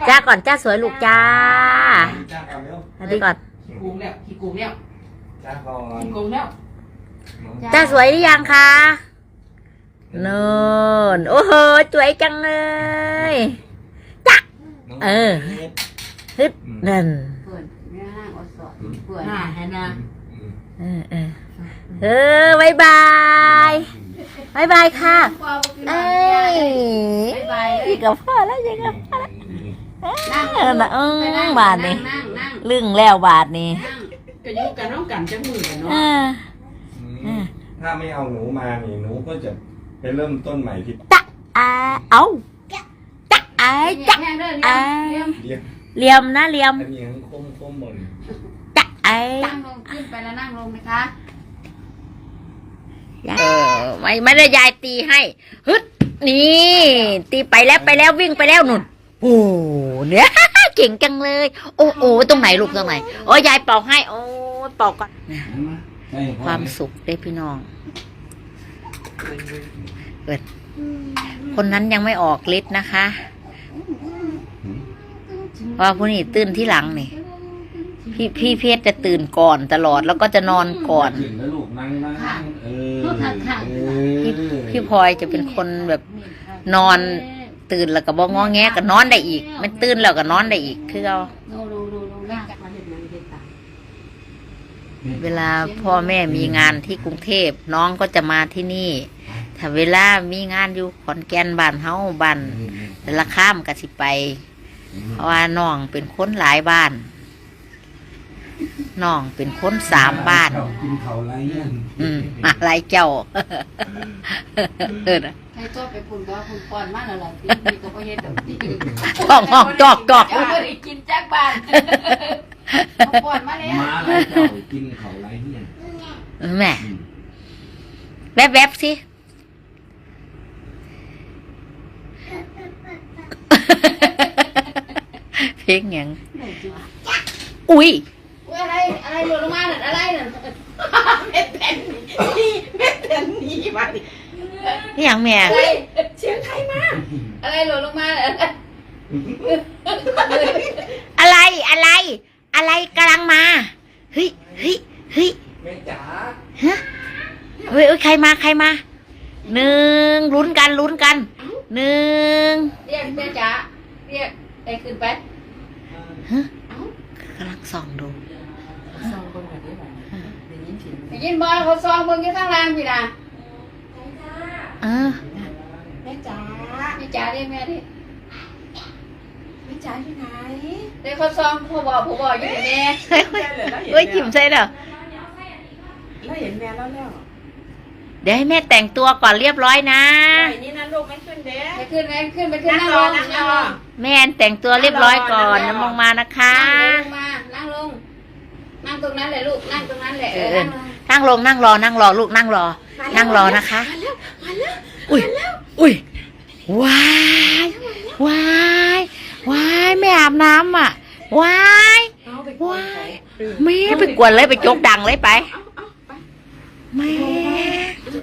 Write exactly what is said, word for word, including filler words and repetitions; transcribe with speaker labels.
Speaker 1: จ้าก่อนจ้าสวยลูกจ้า
Speaker 2: จ้าก่อนเร็ว
Speaker 1: สวัสดีก่อน
Speaker 3: ขี้โกงแล้วขี้โกงแล้ว
Speaker 2: จ้าก่อน
Speaker 3: ขี้โกงแล้ว
Speaker 1: จ้าสวยหรือยังคะโน่นโอ้โหสวยจังเลยจ้าเออฮึดนั่น
Speaker 4: เปิดแม่นั่งอดสอดเปิด
Speaker 3: น่าเห็นนะ
Speaker 1: เออเออเออบายบายบายบายค่ะเอ้ย
Speaker 4: บายบาย
Speaker 1: อีกกับพ่อแล้วยังกับพ่อแล้ว
Speaker 4: นั่ง
Speaker 1: เออนะเออบาทนี่
Speaker 4: นั่งนั่ง
Speaker 1: ลึ่งแล้วบาทนี่
Speaker 4: นั่ง
Speaker 3: ก็อยู่กันน้องกันจังมือกันเนาะ
Speaker 1: เออ
Speaker 2: อืมถ้าไม่เอาหนูมานี่หนูก็จะไปเริ่มต้นใหม่ที่
Speaker 1: จ๊ะอาเอาจ๊ะไอ้จ๊ะ
Speaker 4: แห้งเด้อ
Speaker 1: ไอ้
Speaker 4: เลี้ยง
Speaker 2: เรียก
Speaker 1: เหลี่ยมนะเหลี่ยม
Speaker 2: อันนี้ยังคมคมบน
Speaker 1: จ๊ะไอ้
Speaker 4: นั่งลงขึ้นไปแล้วนั่งลงนะคะ
Speaker 1: เออไม่ไม่ได้ยายตีให้ฮึดนี่ตีไปแล้วไปแล้ววิ่งไปแล้วนุ่นโอ้เนี่ยเก่งจังเลย โอ้โอ้ตรงไหนลูกตรงไหนโอ้ยายเป่าให้โอ้เป่าก่อนความสุขได้พี่น้องเกิดคนนั้นยังไม่ออกฤทธิ์นะคะเพราะผู้นี้ตื่นที่หลังนี่พี่พี่เพชรจะตื่นก่อนตลอดแล้วก็จะนอนก่อน
Speaker 2: ขึ้นแล้วลูกนั่งนั่งเออ
Speaker 1: พี่พี่พลอยจะเป็นคนแบบนอนตื่นแล้วก็บ่งอแงก็นอนได้อีกมันตื่นแล้วก็นอนได้อีกคือเอา
Speaker 4: ดูดูดูดูนั่งมาเห็นมันเห็นตา
Speaker 1: เวลาพ่อแม่มีงานที่กรุงเทพน้องก็จะมาที่นี่ ถ้าเวลามีงานอยู่ขอนแก่นบ้านเฮาบ้านแต่ละข้ามก็สิไป เพราะว่าน้องเป็นคนหลายบ้านน้องเป็นคนสามบ้าน
Speaker 2: กินเขาไรเนี่ย
Speaker 1: อืมอะไรเจ้า เออนะ
Speaker 4: ให้ตัวไปพุ่นก็พุ่นป้อนมาแล้วล่ะที่มีก็บ่เฮ็ดดอกที่
Speaker 1: ห้องห้องจอกจอก
Speaker 4: เอาไปกินจักบ้านเอาป้อนมาแล้ว
Speaker 2: มาไรเจ้ากินเขาไรเนี่ย
Speaker 1: แม่แวบแวบๆสิ เพลงหยังอุ้ย
Speaker 4: อุ้ยอะไรอะไรหล่นลงมาน่ะอะไรน่ะเม็ดแผ่นนี่เม็ดแผ่นนี่มาดิ
Speaker 1: นี่หยังแม่
Speaker 4: เฮ้ยเสียงใครมาอะไรหล่นลงมาน่ะ
Speaker 1: อะไรอะไร อะไรกำลังมาเฮ้ยเฮ้ยเฮ้ย
Speaker 2: แม่จ๋า
Speaker 1: ฮะเฮ้ยเอ้ยใครมาใครมาหนึ่งลุ้นกันลุ้นกันหนึ่ง
Speaker 4: เรียกแม่จ๋าเรียกไปขึ้นไป
Speaker 1: ฮะ
Speaker 4: เอ้าก
Speaker 1: ำลังส่องดู
Speaker 3: ซองคนแบบนี้แบบได้ยินเสียง
Speaker 4: ไปยินบอลเขาซองเบิ่งอยู่ข้างล่างพี่น่ะ
Speaker 1: เออ
Speaker 4: แม่จ๋าแม่จ๋าเรียกแม่ดิ
Speaker 5: แม่จ๋าอยู่ไหน
Speaker 4: เดี๋ยวเขาซองพ่อบอกพ่อบอกอยู่ที่แม่
Speaker 1: เฮ้ยเฮ้ยจิ้มใส่เด้อ
Speaker 5: แล้วเห็นแม่แล้วแล้ว
Speaker 1: เดี๋ยวให้แม่แต่งตัวก่อนเรียบร้อยนะ
Speaker 5: ไอ้นี่นะลูกไม่ขึ้นเด้
Speaker 4: ไปขึ้นไปขึ้นไปขึ้นนั่งลงนั่งลง
Speaker 1: แม่แต่งตัวเรียบร้อยก่อนน้ำมองมานะคะ
Speaker 4: นั่งลงมานั่งลงนั่งตรงนั้นแหละลูกนั่งตรงนั้นแหละเออนั่งลง
Speaker 1: นั่งลงนั่งรอนั่งรอลูกนั่งรอ นั่งรอนะคะ อุ้ยอุ้ยว้ายวายวายไม่อาบน้ำอ่ะวาย
Speaker 5: เอาไป
Speaker 1: ว้ายแม่ไปกวนเลยไปจกดังเลยไปแม่